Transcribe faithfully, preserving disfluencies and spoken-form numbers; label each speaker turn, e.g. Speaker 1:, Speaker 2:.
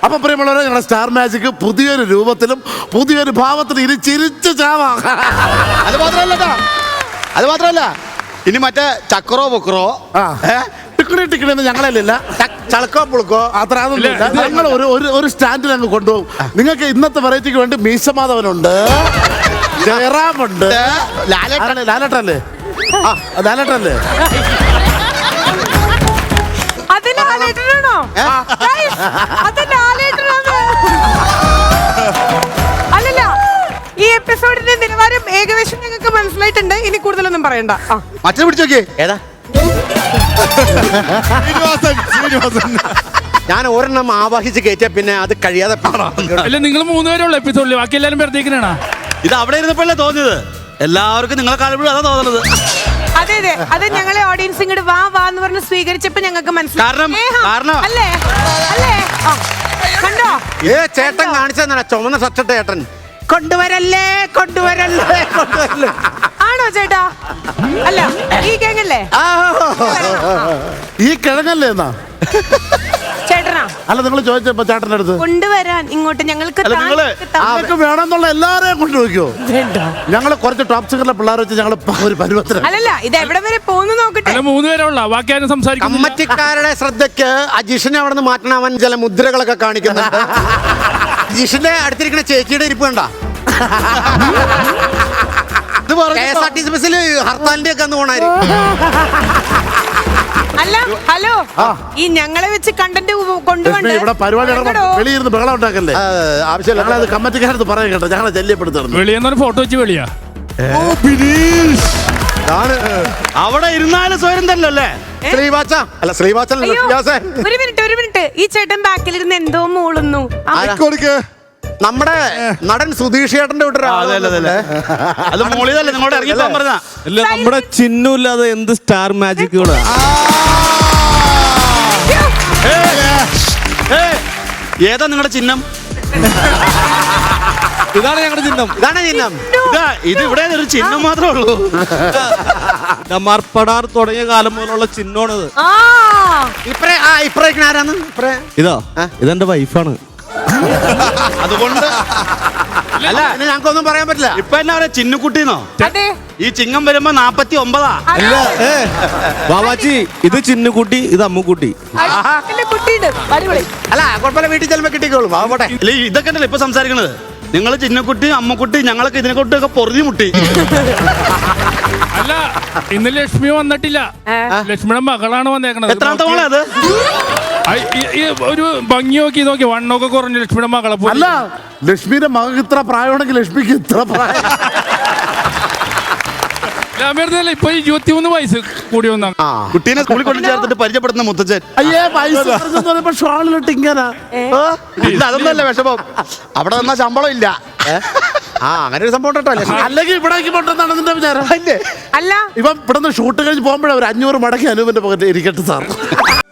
Speaker 1: അപ്പൊ പ്രിയമുള്ളവരെ, ഞങ്ങളുടെ സ്റ്റാർ മാജിക് പുതിയൊരു രൂപത്തിലും പുതിയൊരു ഭാവത്തിലും ഇനി ചിരിച്ചു ചാവാം.
Speaker 2: അത് മാത്രമല്ല അത് മാത്രമല്ല ഇനി മറ്റേ ചക്രോ പൊക്കറോ
Speaker 1: ടിക്കണി ടിക്കണി ഞങ്ങളല്ല,
Speaker 2: ചളക്കോ പുളുക്കോ
Speaker 1: അത്ര അതൊന്നുമില്ല. ഞങ്ങൾ ഒരു ഒരു സ്റ്റാൻഡിൽ അങ്ങ് കൊണ്ടുപോകും. നിങ്ങൾക്ക് ഇന്നത്തെ വെറൈറ്റിക്ക് വേണ്ടി മീശമാധവനുണ്ട്, ജയറാമുണ്ട്, ലാലേട്ടല്ലേ ലാലേട്ടല്ലേ ആ ലാലേട്ടല്ലേ
Speaker 3: അല്ലല്ല, ഈ എപ്പിസോഡിന്റെ നിലവാരം ഏകദേശം ഞങ്ങൾക്ക് മനസ്സിലായിട്ടുണ്ട്. ഇനി കൂടുതലൊന്നും പറയണ്ട.
Speaker 2: മറ്റേ പിടിച്ചോക്കേ ഏതാ ഞാൻ ഒരെണ്ണം ആവാഹിച്ച് കയറ്റിയ പിന്നെ അത് കഴിയാതെ
Speaker 4: അല്ല, നിങ്ങൾ മൂന്നുപേരുള്ള എപ്പിസോഡിൽ ബാക്കി എല്ലാരും വെറുതേക്കിനാണ്.
Speaker 5: ഇത് അവിടെ ഇരുന്നപ്പോഴല്ലേ തോന്നിയത്, എല്ലാവർക്കും നിങ്ങളെ കാണുമ്പോഴും അതാ തോന്നുന്നത്.
Speaker 3: അതെ അതെ, അത് ഞങ്ങളെ ഓഡിയൻസ് ഇങ്ങോട്ട് വാ വാ എന്ന് പറഞ്ഞ് സ്വീകരിച്ചപ്പോ ഞങ്ങൾക്ക്
Speaker 5: കാരണം- കാരണം-
Speaker 3: അല്ലേ അല്ലേ കണ്ടോ?
Speaker 2: ഏ ചേട്ടൻ കാണിച്ചെന്നാ ചുമന്ന ഷർട്ടിട്ട ചേട്ടൻ കൊണ്ടുവരല്ലേ കൊണ്ടുവരല്ലേ കൊണ്ടുവരല്ലേ
Speaker 3: ആണോ ചേട്ടാ? അല്ല, ഈ കേങ്ങല്ലേ?
Speaker 1: ഈ കിഴങ്ങല്ലേ എന്നാ
Speaker 3: ചേട്ടനാ?
Speaker 1: അല്ല, നിങ്ങൾ ചോദിച്ചപ്പോ ചേട്ടൻ്റെ അടുത്ത്
Speaker 3: കൊണ്ടുവരാൻ ഇങ്ങോട്ട് ഞങ്ങൾക്ക്
Speaker 5: അല്ല, നിങ്ങള്
Speaker 1: ആർക്ക് വേണമെന്നുള്ള എല്ലാരെയും കൊണ്ടുപോയിക്കോ. ഞങ്ങള് കുറച്ച് ടോപ്പ് സിംഗറിലെ പിള്ളേർ വെച്ച് ഞങ്ങൾ ഒരു പരുവത്തിന്.
Speaker 3: അല്ലല്ല, ഇത് എവിടെ വരെ പോകുന്നു നോക്കട്ടെ.
Speaker 4: അല്ല, മൂന്നുപേരുള്ള ബാക്കി ആരും സംസാരിക്കും.
Speaker 2: കമ്മറ്റിക്കാരുടെ ശ്രദ്ധയ്ക്ക് അജീഷിനെ അവിടെ നിന്ന് മാറ്റണം. അവൻ ചില മുദ്രകളൊക്കെ കാണിക്കുന്നുണ്ട്. അജീഷിന്റെ അടുത്തിരിക്കുന്ന ചേച്ചിയുടെ ഇരിപ്പ് കണ്ട K S R T C ബസ്സിൽ ഹർത്താലിന്റെ ഒക്കെ അന്ന് പോണായിരിക്കും.
Speaker 3: അല്ല, ഹലോ, ഈ ഞങ്ങളെ വെച്ച് കണ്ടന്റ് കൊണ്ടുപോകണ്ട.
Speaker 1: ഇവിടെ പരിപാടി വെളിയിരുന്ന് ബഹളം ഉണ്ടാക്കല്ലേ, ആവശ്യമില്ല. ഞങ്ങളത് കമ്മറ്റിക്കാരത്ത് പറയാൻ കേട്ടോ, ഞങ്ങളെ ശല്യപ്പെടുത്തണം.
Speaker 4: വെളിയെന്നൊരു ഫോട്ടോ വെച്ച് വെളിയാ
Speaker 5: അവിടെ ഇരുന്നാലും സ്വയം തന്നെ അല്ലേ
Speaker 2: ശ്രീവാച്ച അല്ല ശ്രീവാച്ചൻ
Speaker 3: അയ്യോ, ഒരു മിനിറ്റ് ഒരു മിനിറ്റ് ഈ ചേട്ടൻ ബാക്കിലിരുന്ന് എന്തോ മൂളുന്നു.
Speaker 2: നമ്മുടെ നടൻ സുധീഷ് ചേട്ടന്റെ
Speaker 5: അത് മോളിതല്ലേ നിങ്ങളോട് ഇറങ്ങിപ്പോൻ പറഞ്ഞ.
Speaker 6: അല്ല, നമ്മുടെ ചിഹ്നമില്ലാതെ എന്ത് സ്റ്റാർ മാജിക്കുകളാ.
Speaker 5: ഏതാ നിങ്ങളുടെ ചിഹ്നം?
Speaker 6: ഇതാണ് ഞങ്ങളുടെ ചിഹ്നം.
Speaker 2: ഇതാണ് ചിഹ്നം.
Speaker 5: ഇതാ ഇത് ഇവിടെ ഒരു ചിഹ്നം മാത്രമേ ഉള്ളൂ.
Speaker 6: മർപ്പടാർ തുടങ്ങിയ കാലം മുതലുള്ള ചിഹ്നമാണിത്.
Speaker 2: ഇപ്പറേ ആ ഇപ്പറേക്ക് ആരാന്ന് ഇപ്പറേ
Speaker 6: ഇതോ ഇതെന്റെ വൈഫാണ്.
Speaker 5: അതുകൊണ്ട്
Speaker 2: അല്ല ഞങ്ങൾക്കൊന്നും പറയാൻ പറ്റില്ല.
Speaker 5: ഇപ്പൊ എന്നാ പറയാ, ചിന്നുകുട്ടിന്നോ?
Speaker 3: അതെ,
Speaker 5: ഈ ചിങ്ങം വരുമ്പോ നാപ്പത്തി ഒമ്പതാ.
Speaker 6: അല്ല, ഏ ബാബാജി, ഇത് ചിന്നുകുട്ടി, ഇത് അമ്മുക്കുട്ടി.
Speaker 3: കുട്ടിയുണ്ട്, അടിപൊളി.
Speaker 2: അല്ല കുഴപ്പമില്ല, വീട്ടിൽ ചെല്ലുമ്പോ കിട്ടിക്കോളും. ആവട്ടെ.
Speaker 5: ഇല്ല, ഇതൊക്കെ ഉണ്ടല്ലോ ഇപ്പൊ സംസാരിക്കണത്. നിങ്ങള് ചിന്നക്കുട്ടി അമ്മക്കുട്ടി ഞങ്ങളൊക്കെ ഇതിനെ കൊണ്ടൊക്കെ പൊറുതി മുട്ടി.
Speaker 4: അല്ല, ഇന്ന് ലക്ഷ്മി വന്നിട്ടില്ല. ലക്ഷ്മിയുടെ മകളാണ് വന്നേക്കണത്.
Speaker 5: എത്രാമത്തെ മോളെ അത്?
Speaker 4: ഒരു ഭംഗി നോക്കി നോക്കി വണ്ണൊക്കെ കുറഞ്ഞു ലക്ഷ്മിയുടെ മകളെ.
Speaker 1: അല്ല, ലക്ഷ്മിയുടെ മകൾക്ക് ഇത്ര പ്രായമാണെങ്കിൽ ലക്ഷ്മിക്ക് ഇത്ര പ്രായം.
Speaker 4: ഇപ്പൊ ഇരുപത്തിമൂന്ന് വയസ്സ് കൂടി വന്ന
Speaker 5: കുട്ടീനെ സ്കൂളിൽ കൊണ്ട് ചേർത്തിട്ട് പരിചയപ്പെടുന്ന മുത്തച്ഛൻ.
Speaker 1: അയ്യേ, വയസ്സ് ഷോളിലിട്ട് ഇങ്ങനെ.
Speaker 5: ഇല്ല, അതൊന്നല്ല വിഷമം. അവിടെ നിന്നാ ശമ്പളം ഇല്ല.
Speaker 2: ആ അങ്ങനെ ഒരു സംഭവം കേട്ടോ.
Speaker 1: അല്ലെങ്കിൽ ഇവിടേക്ക് പൊട്ടെന്നാണ് നിന്റെ വിചാരം.
Speaker 3: അല്ല,
Speaker 1: ഇപ്പം ഇവിടെ നിന്ന് ഷൂട്ട് കഴിഞ്ഞ് പോകുമ്പോഴേ ഒരു അഞ്ഞൂറ് മടക്കി അനൂപിന്റെ പോകട്ടെ ഇരിക്കട്ടെ സാർ.